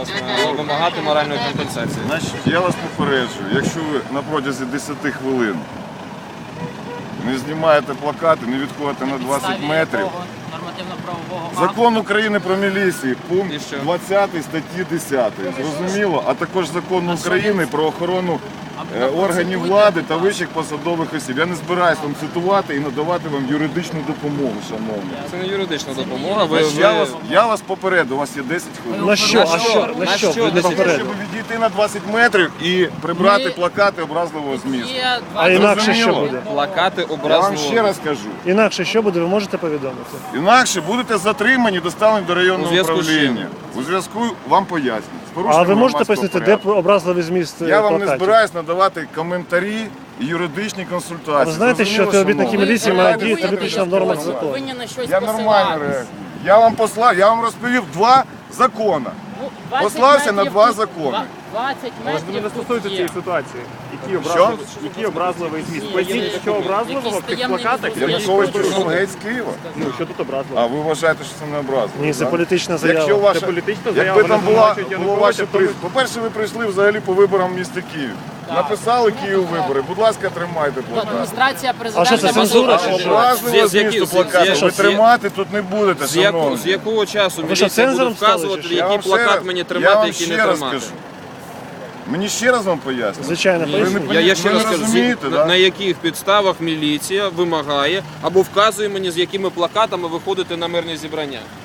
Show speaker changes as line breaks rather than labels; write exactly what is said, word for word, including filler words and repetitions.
Вимагати моральної компенсації.
Значить, я вас попереджую, якщо ви на протязі десяти хвилин не знімаєте плакати, не відходите на двадцять метрів. Закон України про міліцію, пункт двадцятий статті десятої. Зрозуміло? А також закон України про охорону е, органів влади та вищих посадових осіб. Я не збираюся вам цитувати і надавати вам юридичну допомогу, шановні.
Це не юридична допомога. Ви,
Значить,
ви...
я, вас, я вас попереду, у вас є десять хвилин.
На що? А що? На
На
що?
що
Ви не
десять?
попередили?
Щоб відійти на двадцять метрів і прибрати
Ми-
плакати образливого змісту.
А інакше що
Зрозуміло?
буде?
Плакати
Я вам
образливого.
ще раз кажу.
Інакше що буде, ви можете повідомити?
Інакше будете затримані, доставлені до
У
районного
зв'язку з чим?
управління. У зв'язку вам пояснять. З
А
порушенням
ви можете
громадського
пояснити, де
порядку.
образливий зміст
Я вам не
плакатів?
збираюсь надавати коментарі і юридичні консультації.
Ви знаєте, що
Зрозуміло,
співробітники
шановні?
міліції
Ви
мають
знаєте,
діяти
що
виключно в нормах закону.
Повинні на щось
Я нормально
посилатися.
реагую. Я вам послав, я вам розповів два закони.
Ну, двадцять
Послався на
метрів
два
тут,
закони.
двадцять
Може, ви не
метрів
стосуєте
тут
цієї
є.
ситуації? Який
Що?
образливий, який образливий зміст? Поясніть, що образливого в тих плакатах?
Я
Янукович пішов геть з Києва.
Ну, що тут образливо?
А ви вважаєте, що це не образливо?
Ні, це
так?
політична
Якщо
заява.
ваша,
Це політична
якби
заява,
там
вони
була,
звинувачують
було
Януковича,
ваше
то ви-
при... По-перше, ви прийшли взагалі по виборам в місті Київ. Написали Київ вибори, будь ласка, тримайте плакат.
Адміністрація
А що
президента...
це, цензура
може-
чи що?
Образливо
З яких-
змісту
з-
плакату
з-
ви
з-
тримати тут не будете,
З, яку,
шановні.
з якого часу
Ви що,
міліція буде
цензором стали,
вказувати,
чи що?
Я
який
вам ще
плакат
раз-
мені
я
тримати,
вам
який
ще
не
раз
тримати?
кажу. Мені ще раз вам поясню.
Звичайно,
Ні,
поясніть.
я, я ще
Ви
раз
не
кажу,
розумієте,
на,
да?
на яких підставах міліція вимагає або вказує мені, з якими плакатами виходити на мирні зібрання.